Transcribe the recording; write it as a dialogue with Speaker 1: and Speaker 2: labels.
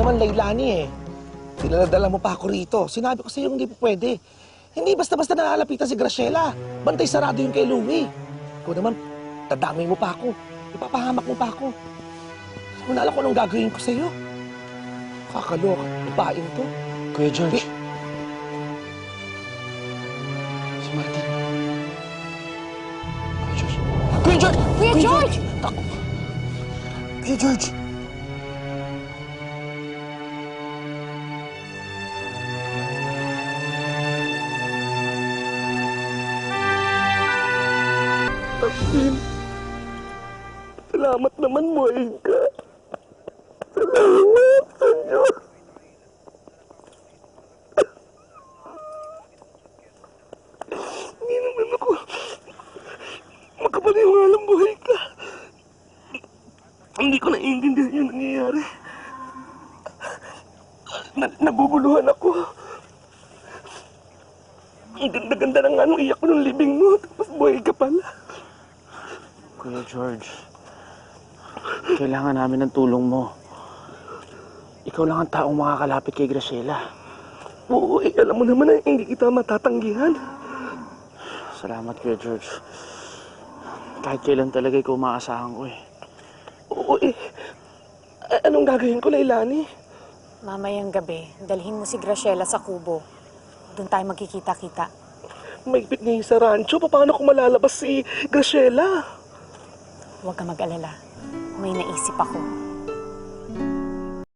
Speaker 1: naman, Lailani eh. Dala mo pa ako rito. Sinabi ko sa'yo hindi po pwede. Hindi basta-basta nakalapitan si Graciela. Bantay sarado yung kay Louie. Ikaw naman, tadamay mo pa ako. Ipapahamak mo pa ako. Kung alam ko anong gagawin ko sa'yo. Kakaloka, babaeng to.
Speaker 2: Kuya George. Si Martin. Kuya George. Kuya George!
Speaker 3: Kuya George!
Speaker 2: Kuya George!
Speaker 1: Martin, salamat naman mo, Inka. Salamat sa Diyos. Hindi naman ako makapaniwalang buhay ka. Hindi ko naiintindihan yung nangyayari. Nabubuluhan ako. Ang ganda-ganda na nga nung iyak ko ng libing mo, tapos buhay ka pala.
Speaker 2: Kuya George, kailangan namin ng tulong mo. Ikaw lang ang taong makakalapit kay Graciela.
Speaker 1: Oo, alam mo naman na hindi kita matatanggihan.
Speaker 2: Salamat, Kuya George. Kahit kailan talaga ikaw maasahan ko eh.
Speaker 1: Oo anong gagawin ko, Lailani?
Speaker 3: Mamayang gabi, dalhin mo si Graciela sa kubo. Doon tayo magkikita-kita.
Speaker 1: Maigpit ngayon sa rancho. Paano kung malalabas si Graciela?
Speaker 3: Huwag ka mag-alala. May naisip ako.